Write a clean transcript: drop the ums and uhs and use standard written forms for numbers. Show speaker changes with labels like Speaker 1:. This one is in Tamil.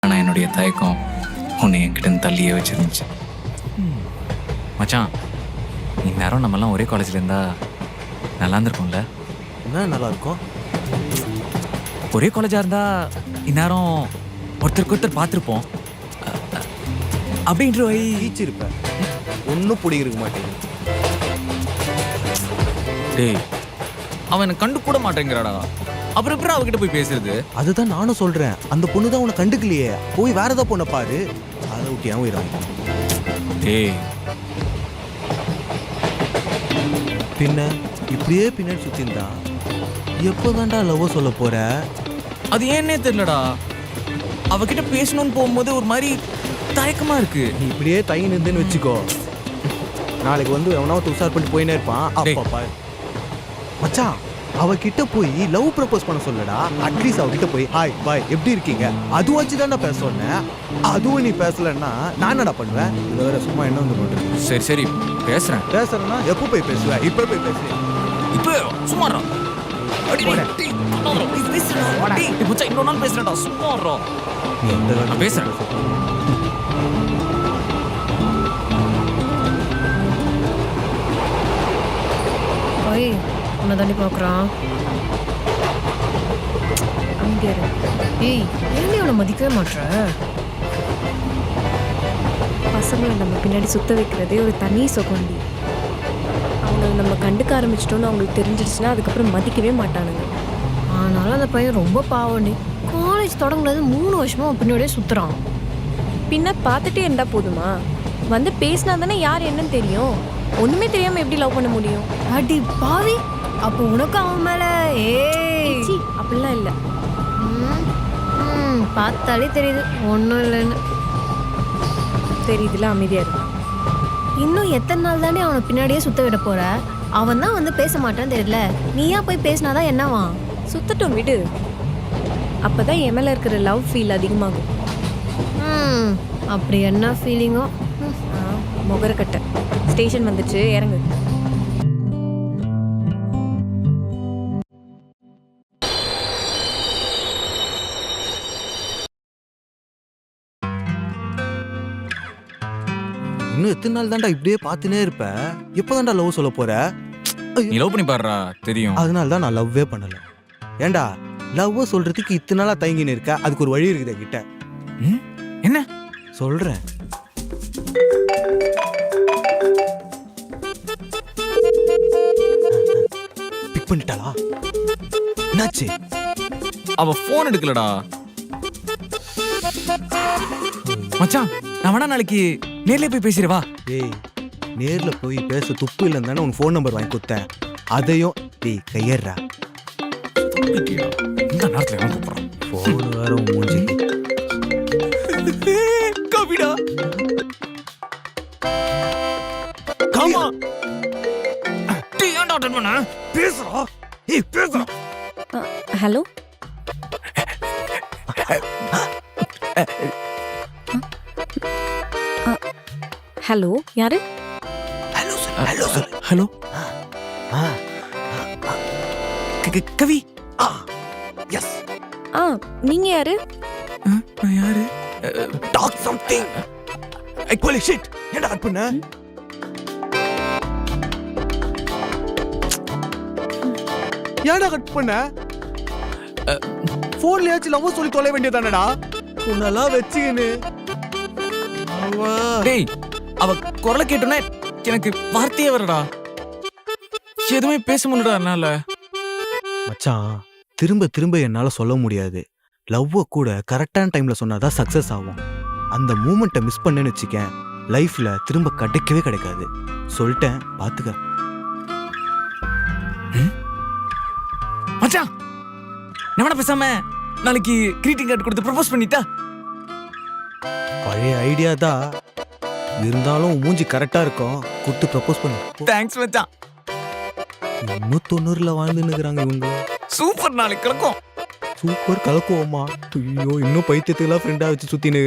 Speaker 1: ஆனால் என்னுடைய தயக்கம் உன்னை என்கிட்ட தள்ளியே வச்சிருந்துச்சு. மச்சான், இந்நேரம் நம்மலாம் ஒரே காலேஜில் இருந்தா நல்லா இருந்திருக்கும்ல?
Speaker 2: என்ன நல்லா இருக்கும்?
Speaker 1: ஒரே காலேஜாக இருந்தா இந்நேரம் ஒருத்தருக்கு ஒருத்தர் பார்த்துருப்போம். அப்படின்ற வை
Speaker 2: ஈச்சிருப்பேன். ஒன்றும் பிடிக்க மாட்டேங்குது.
Speaker 1: டேய், அவன் எனக்கு கண்டு கூட மாட்டேங்கிறாடா. அப்புறம் எப்படி அவகிட்ட போய் பேசுறது?
Speaker 2: அதுதான் நானும் சொல்றேன். அந்த பொண்ணு தான் உன்னை கண்டுக்கலையே, போய் வேற ஏதோ பொண்ணை பாரு. அதை விட்டு ஏன் உயிராங்க?
Speaker 1: டேய்,
Speaker 2: பின்ன இப்படியே பின்னாடி சுத்திருந்தா எப்போதான்டா லவ் சொல்ல போற?
Speaker 1: அது ஏன்னே தெரியலடா. அவகிட்ட பேசணும்னு போகும்போது ஒரு மாதிரி தயக்கமா இருக்கு.
Speaker 2: நீ இப்படியே தயங்கி நின்றுன்னு வச்சுக்கோ, நாளைக்கு வந்து எவனாவது உஷார் பண்ணிட்டு போயினே இருப்பான். அப்பா பாரு மச்சான், அவகிட்ட போய் லவ் ப்ரப்போஸ் பண்ண சொல்லடா. அட்லீஸ்ட் அவகிட்ட போய் ஹாய் பாய் எப்படி இருக்கீங்க அது வச்சு தானே பேச சொன்னேன். அதுவும் நீ பேசலன்னா நான் என்னடா பண்ணுவேன்? இதை வேற சும்மா என்ன வந்து பண்றது?
Speaker 1: சரி சரி பேசுறேன்.
Speaker 2: பேசுறேன்னா எப்போ போய் பேசுவேன்? இப்போ போய் பேசுவேன்.
Speaker 1: இப்போ சும்மாறா. இன்னொரு நாள் பேசுறேன்டா. சும்மாறா.
Speaker 2: நீ எந்த
Speaker 1: நான் பேசுறேன்.
Speaker 3: ஓய், உன்னை தாண்டி பார்க்குறான். அங்கே இரு. ஏய், ஏன் அவனை மதிக்கவே மாட்ற?
Speaker 4: பசங்களை நம்ம பின்னாடி சுத்த வைக்கிறதே ஒரு தனி சுகண்டி. அவங்க நம்ம கண்டுக்க ஆரம்பிச்சிட்டோன்னு அவங்களுக்கு தெரிஞ்சிடுச்சுன்னா அதுக்கப்புறம் மதிக்கவே மாட்டானுங்க.
Speaker 3: ஆனாலும் அந்த பையன் ரொம்ப பாவண்டி. காலேஜ் தொடங்குனது 3 வருஷமா அவன் பின்னாடியே சுற்றுறான்.
Speaker 4: பின்ன பார்த்துட்டே இருந்தா போதுமா? வந்து பேசினா தானே யார் என்னன்னு தெரியும். ஒன்றுமே தெரியாமல் எப்படி லவ் பண்ண முடியும்?
Speaker 3: அடி பாவி, அப்போ உனக்கு அவன் மேலே
Speaker 4: சி அப்படிலாம் இல்லை.
Speaker 3: பார்த்தாலே தெரியுது ஒன்றும் இல்லைன்னு.
Speaker 4: தெரியுதுல, அமைதியாக இருக்கு.
Speaker 3: இன்னும் எத்தனை நாள் தானே அவனை பின்னாடியே சுத்த விட போற? அவன் தான் வந்து பேச மாட்டான்னு தெரியல. நீயா போய் பேசினாதான் என்னவா?
Speaker 4: சுத்தட்டும் விடு. அப்போ தான் என் மேலே இருக்கிற லவ் ஃபீல் அதிகமாகும்.
Speaker 3: அப்படி என்ன ஃபீலிங்கோ?
Speaker 4: முகரக்கட்டை ஸ்டேஷன் வந்துச்சு, இறங்கு.
Speaker 2: இன்னும் எத்தனை நாள் தான்டா இப்படியே பார்த்துனே இருப்ப? எப்போதான்டா லவ் சொல்ல போற?
Speaker 1: நீ லவ் பண்ணி பாடுறா, தெரியும்.
Speaker 2: அதனால தான் நான் லவ்வே பண்ணல. ஏண்டா லவ் சொல்றதுக்கு இத்தனை நாளா தயங்கின்னு இருக்க? அதுக்கு ஒரு வழி இருக்குது கிட்ட.
Speaker 1: என்ன
Speaker 2: சொல்றேன். பிக் பண்ணிட்டாளா? என்னாச்சு?
Speaker 1: அவ போன் எடுக்கலடா. மச்சான், நான் வேணா நாளைக்கு நேர்ல போய் பேசிடுவா.
Speaker 2: டேய், நேர்ல போய் பேச துப்பு இல்லைன்னு தானே உன் ஃபோன் நம்பர் வாங்கி கொடுத்தேன். அதையும் டேய் கையறா.
Speaker 1: இந்த நேரத்துல எவன் கூப்பிடுறான்?
Speaker 2: ஃபோன் வேற உன் மூஞ்சிக்கு.
Speaker 1: கவிடா, காமா டீ ஏன்டா அட்டெண்ட் பண்ண?
Speaker 2: பேசுறா. ஏய் பேசுறா.
Speaker 4: ஹலோ, ஹலோ, யாரு?
Speaker 2: ஹலோ சொல்லு. ஹலோ சொல்லு.
Speaker 1: ஹலோ கவி.
Speaker 2: எஸ்.
Speaker 4: நீங்க யாரு?
Speaker 1: நான் யாரு?
Speaker 2: Talk something. Holy shit. என்ன கட் பண்ண? ஏன்டா கட் பண்ண? போன்லயாச்சும் லவ் சொல்லி தொலை வேண்டியதானடா. உன்னெல்லாம் வச்சுக்கின்னு
Speaker 1: டேய், அவ குரலை கேட்டோன்னே எனக்கு வார்த்தையே வரடா. எதுவுமே பேச முடியலடா என்னால.
Speaker 2: மச்சான், திரும்ப திரும்ப என்னால சொல்ல முடியாது. லவ்வ கூட கரெக்டான டைம்ல சொன்னாதான் சக்சஸ் ஆகும். அந்த மூமெண்ட்டை மிஸ் பண்ணேன்னு வச்சுக்கேன், லைஃப்ல திரும்ப கிடைக்கவே கிடைக்காது. சொல்லிட்டேன், பாத்துக்க.
Speaker 1: மச்சான், நான் வேணா பேசாம நாளைக்கு கிரீட்டிங் கார்டு கொடுத்து ப்ரப்போஸ் பண்ணிட்டா?
Speaker 2: பழைய ஐடியா தான் இருந்தாலும் மூஞ்சி கரெக்டா இருக்கும். கொடுத்து ப்ரப்போஸ் பண்ணு.
Speaker 1: தேங்க்ஸ் மச்சான்.
Speaker 2: இன்னும் 90ல வாழ்ந்துன்னு இருக்கிறாங்க இவங்க.
Speaker 1: சூப்பர், நாளைக்கு கிளக்கும்.
Speaker 2: சூப்பர் கலக்குவோமா? ஐயோ, இன்னும் பைத்தியத்துக்குலாம் ஃப்ரெண்டா வச்சு சுத்தினு